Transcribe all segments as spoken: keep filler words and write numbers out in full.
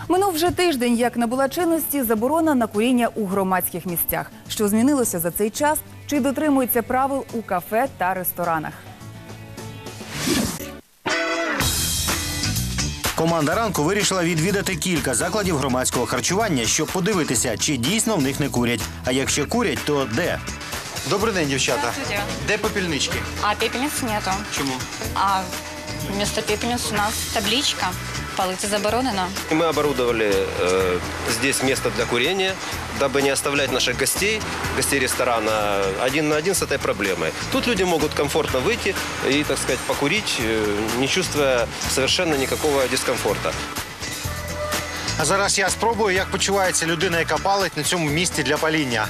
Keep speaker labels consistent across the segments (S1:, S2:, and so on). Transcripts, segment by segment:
S1: Минув вже тиждень, як набула чинності заборона на куріння у громадських місцях. Що змінилося за цей час? Чи дотримуються правил у кафе та ресторанах?
S2: Команда ранку вирішила відвідати кілька закладів громадського харчування, щоб подивитися, чи дійсно в них не курять. А якщо курять, то де? Добрий день, дівчата.
S3: Здравствуйте.
S2: Де попільнички?
S3: А пепельниц нету.
S2: Чому?
S3: А вместо пепельниц у нас табличка. Палить заборонено.
S4: Мы оборудовали э, здесь место для курения, дабы не оставлять наших гостей, гостей ресторана, один на один с этой проблемой. Тут люди могут комфортно выйти и, так сказать, покурить, э, не чувствуя совершенно никакого дискомфорта.
S2: А зараз я спробую, як почувається людина, яка палить на цьому місці для паління.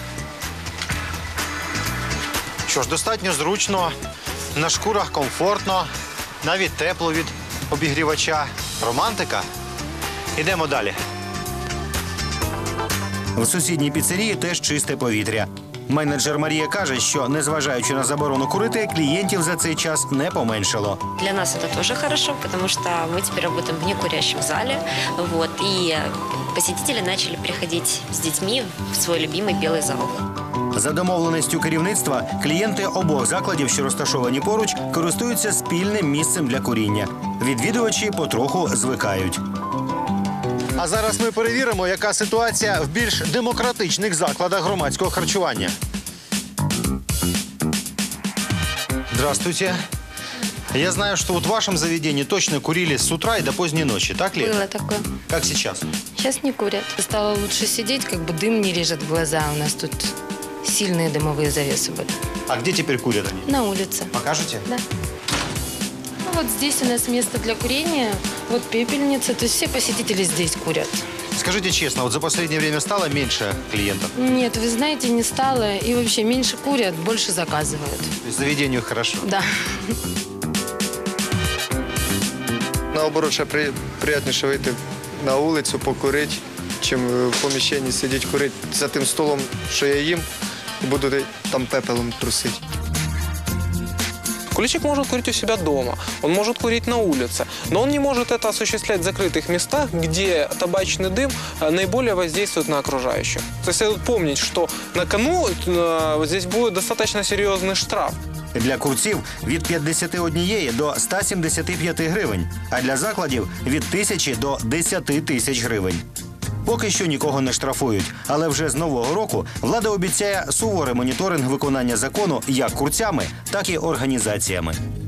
S2: Що ж, достатньо зручно, на шкурах комфортно, навіть тепло від обігрівача. Романтика. Ідемо далі. В сусідній піцерії теж чисте повітря. Менеджер Марія каже, що, незважаючи на заборону курити, клієнтів за цей час не поменшало.
S5: Для нас это тоже хорошо, потому что мы теперь работаем в некурящем зале. Вот, и посетители начали приходить с детьми в свой любимый белый зал.
S2: За домовленістю керівництва, клієнти обох закладів, що розташовані поруч, користуються спільним місцем для куріння. Відвідувачі потроху звикають. А зараз ми перевіримо, яка ситуація в більш демократичних закладах громадського харчування. Здравствуйте. Я знаю, что вот в вашем заведении точно курили с утра и до поздней ночи, так ли?
S6: Было такое.
S2: Как сейчас?
S6: Сейчас не курят. Стало лучше сидеть, как бы дым не режет в глаза. У нас тут сильные дымовые завесы были.
S2: А где теперь курят они?
S6: На улице.
S2: Покажете?
S6: Да. Ну, вот здесь у нас место для курения. Вот пепельница. То есть все посетители здесь курят.
S2: Скажите честно, вот за последнее время стало меньше клиентов?
S6: Нет, вы знаете, не стало. И вообще меньше курят, больше заказывают.
S2: То есть заведению хорошо?
S6: Да.
S7: Наоборот, ще при, приємніше вийти на вулицю, покурити, чим в поміщенні сидіти курити за тим столом, що я їм, і буду там пепелом трусити.
S8: Курильщик может курить у себя дома, он может курить на улице, но он не может это осуществлять в закрытых местах, где табачный дым наиболее воздействует на окружающих. То есть следует помнить, что на кону э, здесь будет достаточно серьезный штраф.
S2: Для курців – від п'ятдесят один до ста сімдесяти п'яти гривень, а для закладів – від тисячі до десяти тисяч гривень. Поки що нікого не штрафують, але вже з нового року влада обіцяє суворий моніторинг виконання закону як курцями, так і організаціями.